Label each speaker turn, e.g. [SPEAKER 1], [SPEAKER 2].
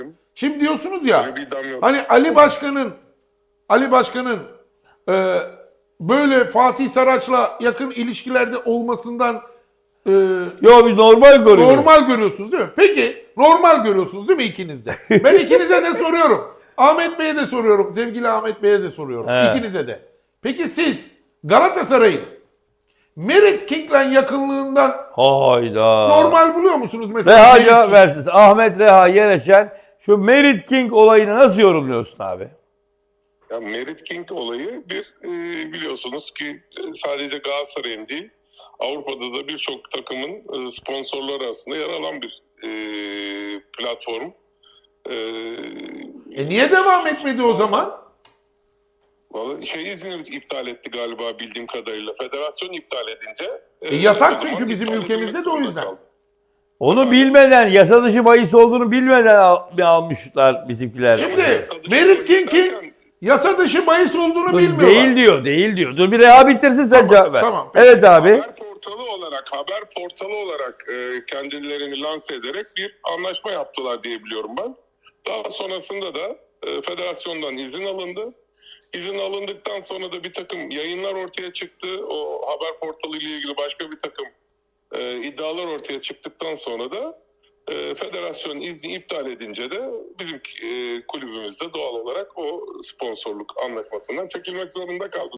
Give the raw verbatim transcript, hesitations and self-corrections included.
[SPEAKER 1] Şimdi diyorsunuz ya,
[SPEAKER 2] Öyle bir iddiam yok.
[SPEAKER 1] hani Ali Başkan'ın Ali Başkan'ın e, böyle Fatih Saraç'la yakın ilişkilerde olmasından e,
[SPEAKER 3] Yo biz normal görüyoruz.
[SPEAKER 1] normal görüyorsunuz değil mi? Peki normal görüyorsunuz değil mi ikiniz de? Ben ikinize de soruyorum. Ahmet Bey'e de soruyorum. Sevgili Ahmet Bey'e de soruyorum.
[SPEAKER 3] He.
[SPEAKER 1] İkinize de. Peki siz Galatasaray'ın Merit King'le yakınlığından
[SPEAKER 3] Hayda.
[SPEAKER 1] normal buluyor musunuz mesela?
[SPEAKER 3] Reha
[SPEAKER 1] Merit
[SPEAKER 3] cevap
[SPEAKER 1] King?
[SPEAKER 3] versin. Ahmet Reha Yereşen şu Merit King olayını nasıl yorumluyorsun abi?
[SPEAKER 2] Ya Merit King olayı bir e, biliyorsunuz ki e, sadece Galatasaray'ın değil Avrupa'da da birçok takımın e, sponsorları arasında yer alan bir e, platform. E,
[SPEAKER 1] E niye devam etmedi o zaman?
[SPEAKER 2] Vallahi şey izni iptal etti galiba bildiğim kadarıyla. Federasyon iptal edince.
[SPEAKER 1] E, yasak
[SPEAKER 2] o zaman
[SPEAKER 1] çünkü bizim
[SPEAKER 2] iptal
[SPEAKER 1] ülkemizde
[SPEAKER 2] edilmek
[SPEAKER 1] de o
[SPEAKER 2] zorunda
[SPEAKER 1] yüzden.
[SPEAKER 2] kaldı.
[SPEAKER 3] Onu bilmeden, yasa dışı bahis olduğunu bilmeden al- almışlar bizimkiler.
[SPEAKER 1] Şimdi Merit King'in yasa dışı bahis olduğunu
[SPEAKER 3] Dur,
[SPEAKER 1] bilmiyorlar.
[SPEAKER 3] değil diyor, değil diyor. Dur bir Reha bitirsin sen
[SPEAKER 1] Tamam,
[SPEAKER 3] cevap ver.
[SPEAKER 1] tamam, peki.
[SPEAKER 3] Evet abi.
[SPEAKER 2] Haber portalı olarak haber portalı olarak e, kendilerini lanse ederek bir anlaşma yaptılar diye biliyorum ben. Daha sonrasında da e, federasyondan izin alındı. İzin alındıktan sonra da bir takım yayınlar ortaya çıktı. O haber portalı ile ilgili başka bir takım e, iddialar ortaya çıktıktan sonra da e, federasyon izni iptal edince de bizim e, kulübümüz de doğal olarak o sponsorluk anlaşmasından çekilmek zorunda kaldı.